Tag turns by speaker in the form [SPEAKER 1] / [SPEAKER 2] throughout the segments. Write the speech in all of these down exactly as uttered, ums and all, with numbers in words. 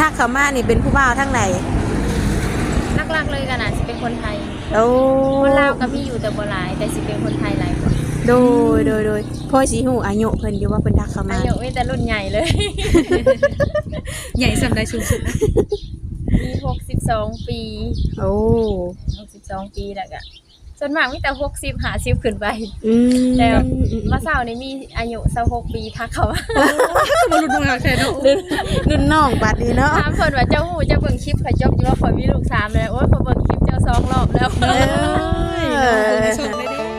[SPEAKER 1] ทักเข้ามานี่เป็นผู้บ่าวทั้งไหน
[SPEAKER 2] หลักๆเลยกันน่ะสิเป็นคนไทย
[SPEAKER 1] โอ้
[SPEAKER 2] คนลาวก็มีอยู่แต่บ่หลายแต่สิเป็นคนไทยหลายคน
[SPEAKER 1] โดยโดยโดยพ่อสิฮู้อายุเพิ่นอยู่ว่าเพิ่นทักเข้ามา
[SPEAKER 2] อายุมีแต่รุ่นใหญ่เลย
[SPEAKER 3] ใหญ่สำได้สูงสุดนะ
[SPEAKER 2] มีหกสิบสองปี
[SPEAKER 1] โอ้
[SPEAKER 2] หกสิบสองปีแล้วก็ส่วนมากมีแต่หกสิบ ห้าสิบขึ้นไป
[SPEAKER 1] อืม
[SPEAKER 2] แล้วมาเช้านี้มีอายุยี่สิบหกปีทักเข้ามา
[SPEAKER 3] บ่รู้ว่าแค่เนาะ
[SPEAKER 1] รุ่นน้องบัดนี้เนาะ
[SPEAKER 2] ถามเพิ่นว่าเจ้าฮู้เจ้าเบิ่งคลิปข่อยจบอยู่ว่าข่อยมีลูกสามแล้วโอ้ยข่อยเบิ่งคลิปเจ้าสองรอบแล้ว
[SPEAKER 1] เอ้ย
[SPEAKER 3] ชมได้ดิ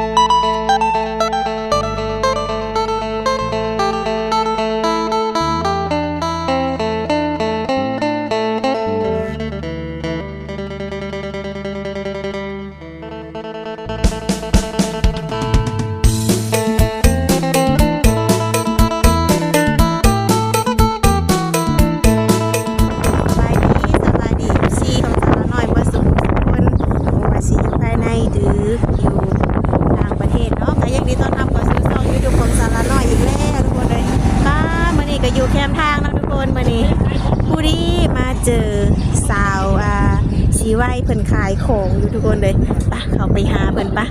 [SPEAKER 1] เจอสาวอ่าชีไว้เพิ่นขายของอยู่ทุกคนเลยปะเขาไปหาเพิ่นปะ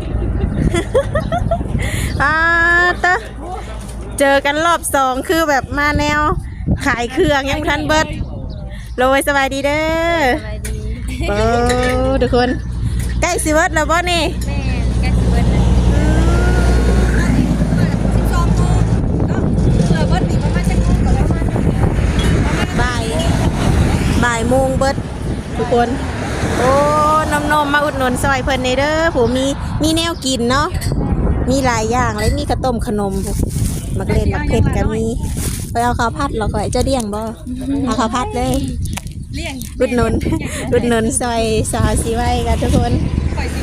[SPEAKER 1] อ่าตะเจอกันรอบสองคือแบบมาแนวขายเครื่องยังทันเบิดโรยสบายดีเด้อ
[SPEAKER 2] สบายดี
[SPEAKER 1] โอ้ทุกคนใกล้สิเบิดแล้วบ่นี่
[SPEAKER 2] แม่ใกล้สิเบิดแล้ว
[SPEAKER 3] สิบสองโมงเนาะเออเบิดนี่ประมาณจักโมงก็ประมาณ
[SPEAKER 1] บ่ายบ่ายโมงเบิดทุกคนโอ้นมนมมาอุดหนุนซอยเพิ่นในเด้อผมมีมีแนวกินเนาะมีหลายอย่างเลยมีข้าวต้มขนมมักเล่นมักเผ็ดก็มีไปเอาข้าวผัดเราก็จะเลี้ยงบ่เอาข้าวผัดเลย
[SPEAKER 3] เลี้ยง
[SPEAKER 1] อุดหนุนอุดหนุนซอยสาวสีไว้กันทุกคน
[SPEAKER 3] ปล่อยสิ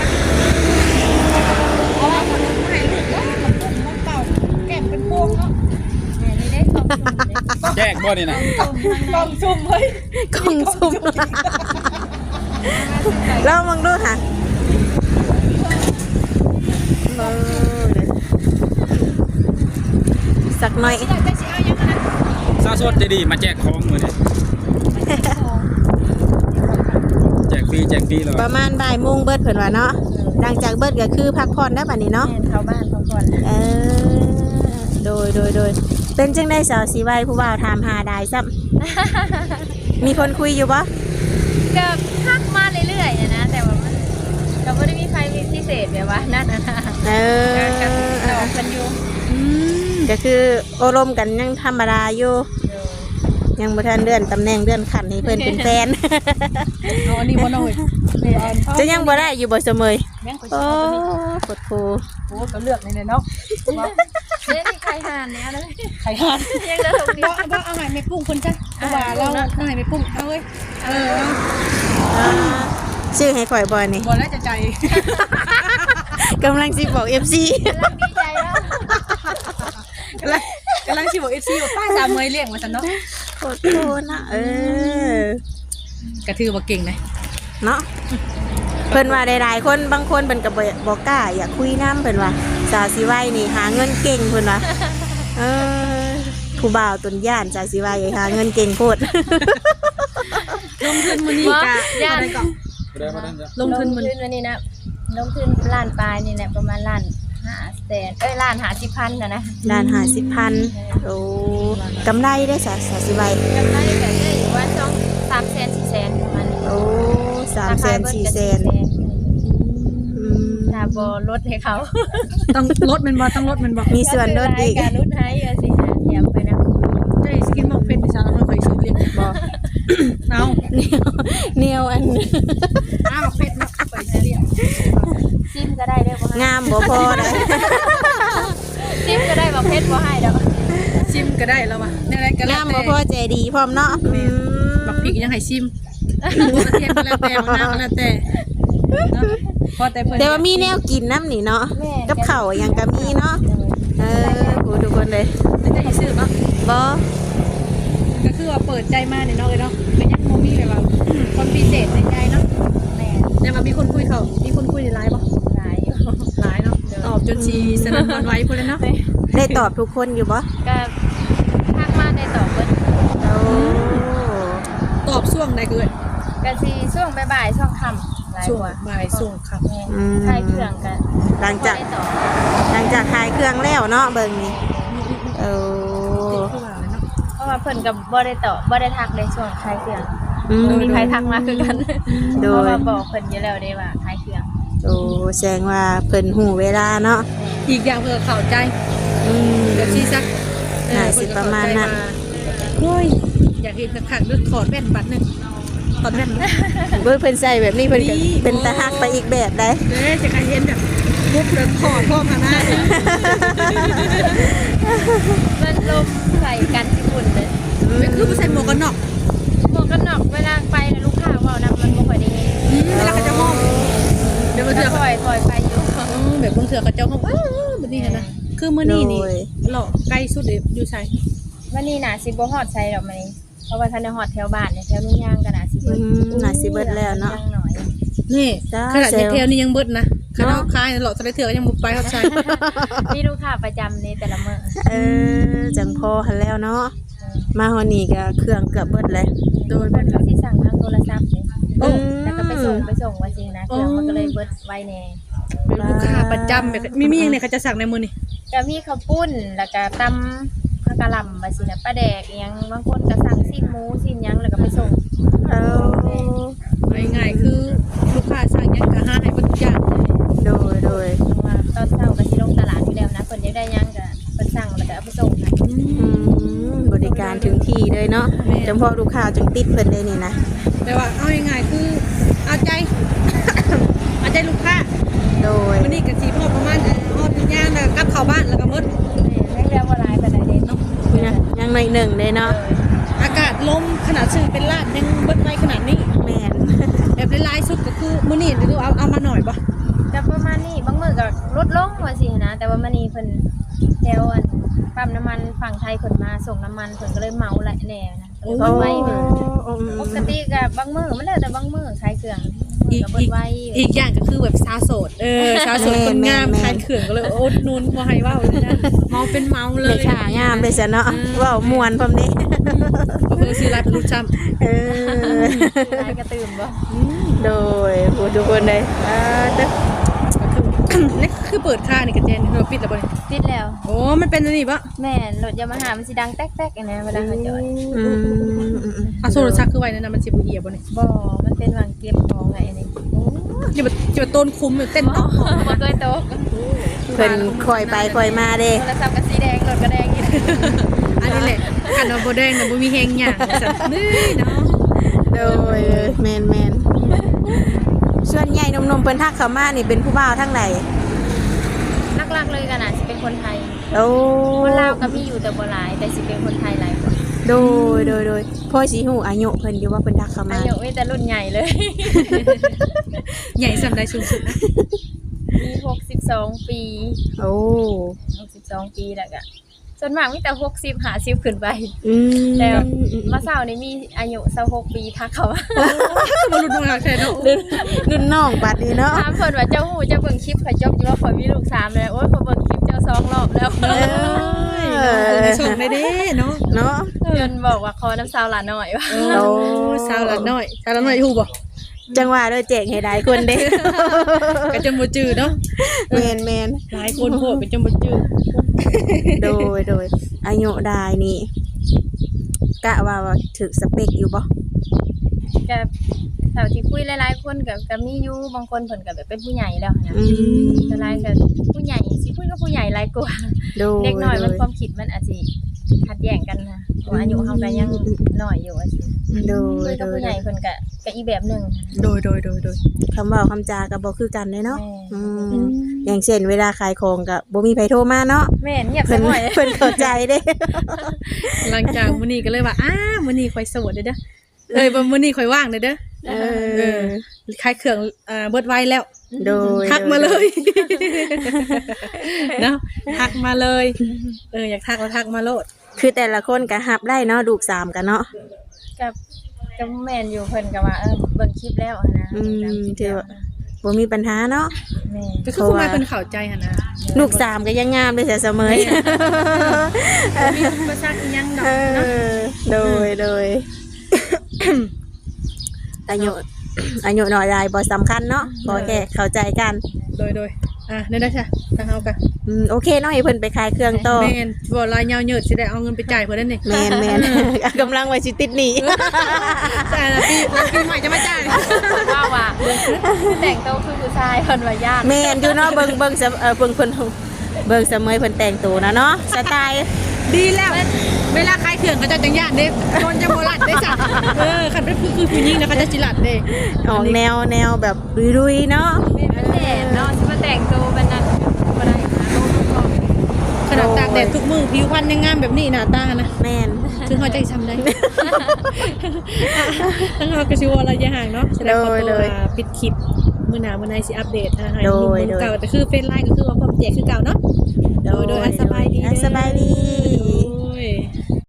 [SPEAKER 3] กินยังไงอ๋อขนมให้ลูกเนาะมันเป่าแก้มเป็นพวงเนาะ
[SPEAKER 2] แม่นี่ได้สองคน
[SPEAKER 4] แจกบ่นี่นะ
[SPEAKER 3] กล่องซุ่มเฮ้ย
[SPEAKER 1] กล่องซุ่มเรามองดูค่ะสักหน่อย
[SPEAKER 4] ซาสดจะดีมาแจกของมือนี่แจกฟรีแจกฟรีเลย
[SPEAKER 1] ประมาณบ่ายโมงเบิดเพิ่นว่าเนาะหลังจากเบิดก็คือพักผ่อนได้บัดนี้เนาะ
[SPEAKER 2] เข้าบ้านพักผ่อน
[SPEAKER 1] เออโดยโดยโดยเป็นจังได้สาวสีไว้ผู้บ่าวถามหาได้ซ้ำมีคนคุยอยู่ปะ
[SPEAKER 2] ก็ทักมาเรื่อยๆนะแต่ว่ามันก็ไม่ได้มีใครมีพิเศษแบบว่านั่นนะ
[SPEAKER 1] เออ
[SPEAKER 2] ก็ตอบกันอยู่
[SPEAKER 1] ก็คือโอรมกันยังธรรมดาอยู่ยังบ่ทันเลื่อนตำแหน่งเลื่อนขั้นให้เพิ่นเป็นแฟน
[SPEAKER 3] เอาอันนี้บ่น้อย
[SPEAKER 1] จะยังบ่ได้อยู่บ่เสมอโอ้กดโพ
[SPEAKER 3] โอ้ก็เลือกในเนาะ
[SPEAKER 2] เล่นไข่ห่านเนี่ยนะ
[SPEAKER 3] ไข่ห่าน
[SPEAKER 2] ยังจะถูกดี
[SPEAKER 3] บ่บ่เอาใหม่ไม่ปรุงคนจ้ะเพราะว่าเราเอาใหม่ไม่ปรุงเอาเว้ยเออ
[SPEAKER 1] ชื่อให้ข่อยบ่นี่
[SPEAKER 3] บ่แล้วจะใจ
[SPEAKER 1] กำลังสิบอก เอฟ ซี
[SPEAKER 2] กำลังดีใจแล้ว
[SPEAKER 3] กำลังกำลังสิบอก เอฟ ซี ว่าป้าสามเมยเลี้ยงว่าซั่นเนาะ
[SPEAKER 1] โคตรโคนะเอ
[SPEAKER 3] อกระถือว่าเก่งนะ
[SPEAKER 1] เนาะเพิ่นว่าหลายๆคนบางคนเพิ่นก็บ่กล้าอยากคุยนำเพิ่นว่าสาวสิไว้นี่หาเงินเก่งเพิ่นว่าเออผู้บ่าวตนย่านสาวสิไว้หาเงินเก่งโพด
[SPEAKER 3] ลงทุนมื้อนี้ก็
[SPEAKER 2] ย่าน
[SPEAKER 3] ลงทุนมื้อ
[SPEAKER 2] นี้นะลงทุนล้านปลายนี่แหละประมาณล้านห้าแสนเอ้ยล้านห้าสิบพันนะนะ
[SPEAKER 1] ล้านห้าสิบพันโอ้กำไรได้สาวสาวสิไว้
[SPEAKER 2] กำไรก็ได้อยู่ว่าสองสามแสนสี่แสนประมาณ
[SPEAKER 1] โอ้สามแสนสี่แสน
[SPEAKER 2] ถ้าบ่ลดให้เขา
[SPEAKER 3] ต้องลดมันบ่ต้องลดมันบ่
[SPEAKER 1] มีส่วนลดอีก
[SPEAKER 2] การลดให้สิหาเทียมไปนะ
[SPEAKER 3] ได้สกินบ่เป็นสาวเราเคยซื้อเรียนบ่เอา
[SPEAKER 1] เนียวเนียวอัน
[SPEAKER 3] อ้าวเป็ดมาไปเรียน
[SPEAKER 2] ซิมก็ได้เด้บ่
[SPEAKER 1] งามบ่พอเด้อ
[SPEAKER 2] ซิมก็ได้บ่เพชรบ่ให้ดอก
[SPEAKER 3] ซิมก็ได้แล้วว่ะแนวใดก็แล้ว
[SPEAKER 1] งามบ่พอใจดีพร้อมเนาะ
[SPEAKER 3] บักพริกยังให้ซิมกระเทียมก็แล้วแต่บางน้ำก็แล้วแต่เนาะพอแต่เพิ่น
[SPEAKER 1] แต่ว่ามีแนวกินน้ำนี่เนาะกับข้าวหยังก็มีเนาะเออโหทุกคนเลย
[SPEAKER 3] แล้วจะให้ซื้อบ่
[SPEAKER 1] บ่
[SPEAKER 3] ก็คือว่าเปิดใจมาเนี่ยเนาะเลยเนาะก็ยังบ่มีแบบว่าคนพิเศษในใจเนาะแม่ยังว่ามีคนคุยเขามีคนคุยในไลน์บ่
[SPEAKER 2] หลายอยู่
[SPEAKER 3] หลายเนาะตอบจนสิสนั่นหวั่นไหวพุ่นแล้วเนาะ
[SPEAKER 1] ได้ตอบทุกคนอยู่บ่
[SPEAKER 2] ก็ทักมาได้ตอบเพิ่น
[SPEAKER 1] โอ้
[SPEAKER 3] ตอบช่วงใดเกิด
[SPEAKER 2] ก็สิช่วงบ่ายๆช่วงค่ำหลาย
[SPEAKER 3] ช่วง
[SPEAKER 2] กว่า
[SPEAKER 3] บ่ายช่วงค่ำ
[SPEAKER 2] แม่ใช้เครื่องกัน
[SPEAKER 1] หลังจาก
[SPEAKER 2] บ่ได้ต่อ
[SPEAKER 1] หลังจากขายเครื่องแล้วเนาะเบิ่งนี่เออ
[SPEAKER 3] คือว่าเลยเนาะ
[SPEAKER 2] เพราะว่าเพิ่นก็บ่ได้ต่อบ่ได้ทักในช่วงใช้เครื่อง
[SPEAKER 1] อืม
[SPEAKER 2] บ่มีใครทักมาคือกัน
[SPEAKER 1] โด
[SPEAKER 2] เพราะ
[SPEAKER 1] ย
[SPEAKER 2] ว่าบอกเพิ่นอยู่แล้วได้ว่าใช้เครื่อง
[SPEAKER 1] โอ้แสดงว่าเพิ่นหูเวลาเนาะ
[SPEAKER 3] อีกอย่างเพื่อเข้าใจ
[SPEAKER 1] อืม
[SPEAKER 3] เดี๋ยวชี้ซัก
[SPEAKER 1] น่าสิประมาณนั้น
[SPEAKER 3] โอ้ยอยากเห็นสักครั้งด้วยถอดแว่นบัตรหนึงถอดแว่น
[SPEAKER 1] เบิ่งเพิ่นใส่แบบนี้เพิ่นก็
[SPEAKER 3] นี่
[SPEAKER 1] เป็นตาฮักไปอีกแบบได้
[SPEAKER 3] เด้จะการเห็นแบบมุกเดินถอดพ่อมาหน้าเนี่ย
[SPEAKER 2] มันลมใส่กันที่ฝุ่นเลย
[SPEAKER 3] เป็นคือผู้ใส่หมวกกันน็อก
[SPEAKER 2] หมวกกันน็อกเวลาไปแล้วลูกค้าเว้านำมันบ่ค่อยได้ยิน
[SPEAKER 3] อืมเวลาเขาจะมองเดี๋ยวมาเถื่
[SPEAKER 2] แล้
[SPEAKER 3] อ
[SPEAKER 2] ว
[SPEAKER 3] เขา
[SPEAKER 2] ค่อยค่อยไปอยู่
[SPEAKER 3] อืมแบบบางเถื่อเขาเจ้าเขาว้าวแบบนี้นะคือมื้อนี้นี่
[SPEAKER 1] โดย
[SPEAKER 3] หล่อใกล้สุดเลยอยู่ใส่
[SPEAKER 2] วันนี้น่ะสิบ่ฮอดใส่ดอกมันนี้เพราะว่าท่านได้ฮอดแถวบ้านเนี่ยแถวนุ่งยางก็น่ะสิ
[SPEAKER 1] อื
[SPEAKER 2] เบิด
[SPEAKER 1] มน่าสิเบิดแล้วเนาะ
[SPEAKER 2] ยังหน่อย
[SPEAKER 3] นี่
[SPEAKER 1] จ้า
[SPEAKER 3] ขนาด
[SPEAKER 1] เซลล์
[SPEAKER 3] เทลนี่ยังเบิดนะขนาด
[SPEAKER 1] เนาะ
[SPEAKER 3] คายหล่อสไลด์เถื่อยังมุดไปเขาใส่
[SPEAKER 2] มีลูกค้าประจำในแต่ละมื้อ
[SPEAKER 1] เออจังพอหันแล้วเนาะมาฮอดนี่ก็เครื่องเกือบเบิดเลย
[SPEAKER 2] โดยเพิ่นก็สิสั่งทางโทรศัพท์นี่
[SPEAKER 3] โอ้
[SPEAKER 2] แล้วก็ไปส่งไปส่งว่าจริงนะเครื่องมันก็เลยเบิดไวแน่
[SPEAKER 3] เป็นลูกค้าประจำแบบมีมีอย่างไหนเขาจะสั่งในมือนี่
[SPEAKER 2] ก็มีข้าวปุ้นแล้วก็ตำผักกะหล่ำว่าสินะปลาแดกอิหยังบางคนก็สั่งสิ้นหมูสิ้นหยังแล้วก็ไปส่ง
[SPEAKER 1] เออ
[SPEAKER 3] ง่ายๆคือลูกค้าสั่งหยังก็หาให้เบิดทุกอย่าง
[SPEAKER 1] โดยโดย
[SPEAKER 2] เพราะว่าตอนเช้าก็สิลงตลาดอยู่แล้วนะเพิ่นอยากได้หยังก็เพิ่นสั่งแล้วก็เอาไปส่งให้
[SPEAKER 1] อืมบริการถึงที่เลยเนาะจำพอลูกค้าจึงติดเพิ่นเลยนี่นะ
[SPEAKER 3] แต่ว่าเอาง่ายๆคือเอาใจ เอาใจลูกค้า
[SPEAKER 1] โดย
[SPEAKER 3] วันนี้ก็สิพอประมาณฮอดทุกอย่างแล้วก็กลับเข้าบ้านแล้วก็หมด
[SPEAKER 2] แม่นแม่งเรียกว่าหลายปานใดเด้เนาะ
[SPEAKER 1] นะยังในหนึ่งเลยเนาะ
[SPEAKER 3] อากาศลมขนาดซื้อเป็นลาดยังเบิดไวขนาดนี้
[SPEAKER 1] แม่น
[SPEAKER 3] แบบหลายๆสุดก็คือมื้อนี้หรือเอาเอามาหน่อยบ่
[SPEAKER 2] ก็ประมาณนี้บางมื้อก็ลดลงว่าสินะแต่ว่ามื้อนี้เพิ่นแถวอันปั๊มน้ำมันฝั่งไทยเพิ่นมาส่งน้ำมันเพิ่นก็เลยเหมาหลายแน่นะก็เลย
[SPEAKER 1] โอ้
[SPEAKER 2] เบิดไวแน่
[SPEAKER 1] อืม
[SPEAKER 2] ปกติกับบางมือมันแล้วแต่บางมือขายเครื่อง
[SPEAKER 3] อีก
[SPEAKER 2] กับเบิ
[SPEAKER 3] อี
[SPEAKER 2] ด
[SPEAKER 3] ก
[SPEAKER 2] ไว้
[SPEAKER 3] อีกอย่างก็คือแบบสาวโสดเออสาวโสดคนงามขายเขื่องก็เลยโอ๊ตนูนบ่ให้เว้าเลยนะเมาเป็นเมาเล
[SPEAKER 1] เลย ยค่ะงามเลยจ้ะเนาะเว่ามวนพร้อมนี้
[SPEAKER 3] ก็คือสิรับรู้จำ
[SPEAKER 1] เออ
[SPEAKER 2] ขายกระตื่นบ่
[SPEAKER 1] โดยผู้ทุกคนเลยอ่าเด้อ
[SPEAKER 3] นี่คือเปิดค่านี่กระเจนเราปิดแล้วบ่นี่
[SPEAKER 2] ติดแล้ว
[SPEAKER 3] โอ้มันเป็นอันนี้บ่
[SPEAKER 2] แม่นรถยามาหามันสิดังแต๊กๆอันนะเวลาเขาจอด
[SPEAKER 1] อืม
[SPEAKER 3] อ่ะโซลซักคือไว้นั่นน่ะมันสิบ่เหี่ยบ่นี่
[SPEAKER 2] บ่มันเป็นวางเก็บของไงอันนี้
[SPEAKER 3] อย่าบ่อย่าบ่ต้นคุ้มอยู่เต้นต้อง
[SPEAKER 2] บ่เคยตก
[SPEAKER 1] เพิ่นคอยไปคอยมาเด้
[SPEAKER 2] โทรศัพท์ก็สีแดงรถก็แดงอีก
[SPEAKER 3] อันนี้แหละคันว่าบ่แดงน่ะบ่มีแฮงหยังว่าซั่นนี่เนาะ
[SPEAKER 1] โดยแมนแมนส่วนใหญ่หนมๆเพิ่นทักเข้ามานี่เป็นผู้บ่าวทั้งไหน
[SPEAKER 2] หลักๆเลยกันน่ะสิเป็นคนไทย
[SPEAKER 1] โอ้
[SPEAKER 2] คนลาวก็มีอยู่แต่บ่หลายแต่สิเป็นคนไทยหลายคน
[SPEAKER 1] โดยโดยโดยพ่อสิฮู้อายุเพิ่นอยู่ว่าเพิ่นทักเข้ามา
[SPEAKER 2] อายุมีแต่รุ่นใหญ่เลย
[SPEAKER 3] ใหญ่ส่ำใดสูงสุดนะ
[SPEAKER 2] มีหกสิบสองปี
[SPEAKER 1] โอ้
[SPEAKER 2] หกสิบสองปีแล้วก็ส่วนมากมีแต่หกสิบ ห้าสิบขึ้นไป
[SPEAKER 1] อืม
[SPEAKER 2] แล้วมาเช้านี้มีอายุยี่สิบหกปีทักเขาว่า
[SPEAKER 3] บ่รู้ตัวแค่เนาะ
[SPEAKER 1] รุ่นรุ่นน้องบัดนี้เนาะ
[SPEAKER 2] ถามเพิ่นว่าเจ้าหูเจ้าเบิ่งคลิปเขาจบอยู่ว่าเขามีลูกสามแล้วโอ้ยเขาเบิ่งคลิปเจ้าสองรอบแล้ว
[SPEAKER 1] เออ
[SPEAKER 3] ส่งได้เด้เนาะ
[SPEAKER 1] เนาะ
[SPEAKER 2] เพิ่นบอกว่าขอน้ำสาวหลานหน่อยว่า
[SPEAKER 3] โอ้สาวละน้อยสาวละน้อยฮู้บ่
[SPEAKER 1] จังหวะโดยแจกให้หลายคนเด้
[SPEAKER 3] ก็จนบ่จื้อเนาะ
[SPEAKER 1] แมนแมน
[SPEAKER 3] หลายคนโพดก็จนบ่จื้อ
[SPEAKER 1] โดยโดยอายุได้นี่กะว่าว่าถึกสเปคอยู่บ่
[SPEAKER 2] ก็แถวที่คุยหลายๆคนก็ก็มีอยู่บางคนเพิ่นก็แบบเป็นผู้ใหญ่แล้วนะ
[SPEAKER 1] อืม
[SPEAKER 2] แต่หลายก็ผู้ใหญ่สิคุยกับผู้ใหญ่หลายกว่า
[SPEAKER 1] โดย
[SPEAKER 2] เด็กน้อยมัน
[SPEAKER 1] โด
[SPEAKER 2] ความคิดมันอาจสิขัดแย้งกันนะเพราะอายุเฮาก็ยังน้อยอยู่ว่าสิ
[SPEAKER 1] โด
[SPEAKER 2] คุ
[SPEAKER 1] ย
[SPEAKER 2] ย
[SPEAKER 1] โด
[SPEAKER 2] กับ
[SPEAKER 1] ย
[SPEAKER 2] ผู้ใหญ่เพิ่นก็ก็อีกแบบหนึง
[SPEAKER 3] โดยโดยโดยโดย
[SPEAKER 1] คำเว่าคำจาก็บ่คือกันเลยเนาะ
[SPEAKER 2] แม่
[SPEAKER 1] อืมอย่างเช่นเวลาขายของก็บ่มีไผโทรมาเนาะ
[SPEAKER 2] แม่นเงียบ
[SPEAKER 1] เพิ่
[SPEAKER 2] ซะ
[SPEAKER 1] น
[SPEAKER 2] หน่อย
[SPEAKER 1] เพิ่นเข้าใจเด้
[SPEAKER 3] หลังจากมื้อนี้ก็เลยว่าอ้ามื้อนี้ข่อยโสดเด้อเด้อเอ้ยบ่มื้อนี้ข่อยว่างเด้อเด้อ
[SPEAKER 1] เอ
[SPEAKER 3] เอ
[SPEAKER 1] อ
[SPEAKER 3] อขายเครื่องอ่าเบิดไวแล้ว
[SPEAKER 1] โดย
[SPEAKER 3] ทักมาเลยเนาะทักมาเลยเอออยากทักแล้วทักมาโลด
[SPEAKER 1] คือแต่ละคนก็รับได้เนาะลูกสามกันเนาะ
[SPEAKER 2] กับกับแม่นอยู่เพิ่นก็ว่าเออเบิ่งคลิปแล้วอะนะ
[SPEAKER 1] อืม
[SPEAKER 2] ตามคลิป
[SPEAKER 1] ถือ
[SPEAKER 2] แล้ว
[SPEAKER 1] ว่า บ่มีปัญหาเนาะ
[SPEAKER 2] แม่
[SPEAKER 3] ก็คือคุณแม่เป็นเข้าใจหั่นนะ
[SPEAKER 1] ลูกสามก็ยังงามเลยเสียเสมอ
[SPEAKER 3] มีอุปสรรคอีหยังดอก
[SPEAKER 1] เอ
[SPEAKER 3] เนาะ
[SPEAKER 1] อโดยโดยอายุ อายุน้อยใหญ่บ่สำคัญเนาะขอแค่เข้าใจกัน
[SPEAKER 3] โดยโดยอ่ะได้ได้จ้ะทางเฮากัน
[SPEAKER 1] อืมโอเคเนาะให้เพิ่นไปขายเครื่องต่อ
[SPEAKER 3] แม่นบ่ลายยาวเหยิดสิได้เอาเงินไปจ่ายเพิ่นนั่นนี่
[SPEAKER 1] แม่นแม่น กำลังไว้สิติดหนี้
[SPEAKER 3] ใช่นะพี่แล้วปีใหม่จะมาจ่าย
[SPEAKER 2] ว่าว่าแต่งตัวคือผู้ชายเพิ่นว่ายาก
[SPEAKER 1] แม่นอยู่เนาะเบิ่งเบิ่งเสมเออเบิ่งเพิ่นเบิ่งเสมอเพิ่นแต่งตัวนะเนาะสไตล์
[SPEAKER 3] ดีแล้วเวลาขายเครื่องก็จะจังย่านเด้คนจะบ่ลัดได้จ้ะเออคันเป็นคือคือผู้หญิงนะเขาจะสิลัดเด้
[SPEAKER 1] ออกแนวแนวแบบรุยๆเนาะ
[SPEAKER 2] มันแดดเนาะสิมาแต่งตัวเป็นนั้นบ่ได้นะโลกก็
[SPEAKER 3] ขนาดตากแดดทุกมื้อผิวพรรณยังงามแบบนี้หน้าตานะ
[SPEAKER 1] แม่น
[SPEAKER 3] ถึงเขาจะทำได้ ทั้งเราก็ชิวระยะห่างเนาะแสดงความตัวปิดคลิปมือหนามือในสิอัปเดตนะให้ลุงเก่าแต่คือเฟซไลน์ก็คือว่าความแจกคือเก่าเนาะโดยโดยสบายดี
[SPEAKER 1] สบายดี